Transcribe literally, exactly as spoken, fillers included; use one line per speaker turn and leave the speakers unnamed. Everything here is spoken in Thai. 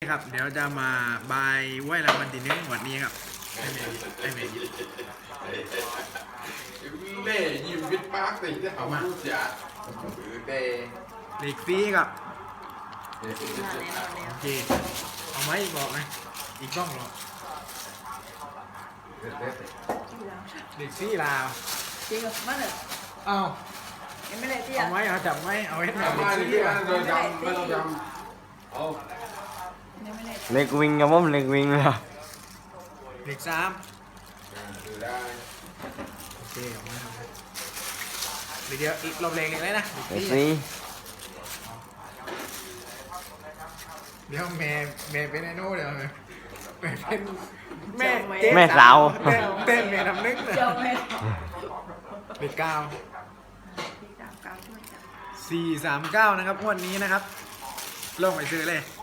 ครับเดี๋ยวจะมาบายไหวรางวัลที่หนึ่งวันนี้ครับไอเมย์ไอเมย์
เล่ยิมวิทปาร์คสิ่งที่เขาพูดอย่าหรือเตะ
เด็กฟรีครับ
เด็ก
โอเคเอาไหมบอกนะอีกกล้องหรอเด็กฟรีลาว
จริงเหรอมาเลย
อ้าว
ยังไม่ได้ที่
เอา
อ่ะ
ไหมเอาจับไหมเอาให้หน่อย
ทำ
เด็
มาก
ฟ
ที่
รี
ว่า
อ่ะ
เราจำไม่ต้องจำเอา
ยังไม่ได้
เล็กวิ่งครับผมเล็กวิ่งเลย
เด็กสาม
ดูได้
โอเคเอาไหมเอาไหมเดี๋ยวเดี๋ยวอีกรอบแรงเลยนะเด็กฟ
เล็
รี
ก
อ่ะ
สี่
เดี๋ยวแม่แม่เป็นไอ้โน่เดี๋ยวแม่แม่เป็นแม่
แม่สาว
เต้นเต้นแม่ทำนึกนะ
เจ้าแม่
เด็กเก้า
ที่สามเก้าช่วยจับ
สี่สามเก้านะครับงวดนี้นะครับลงไปซื้อเลย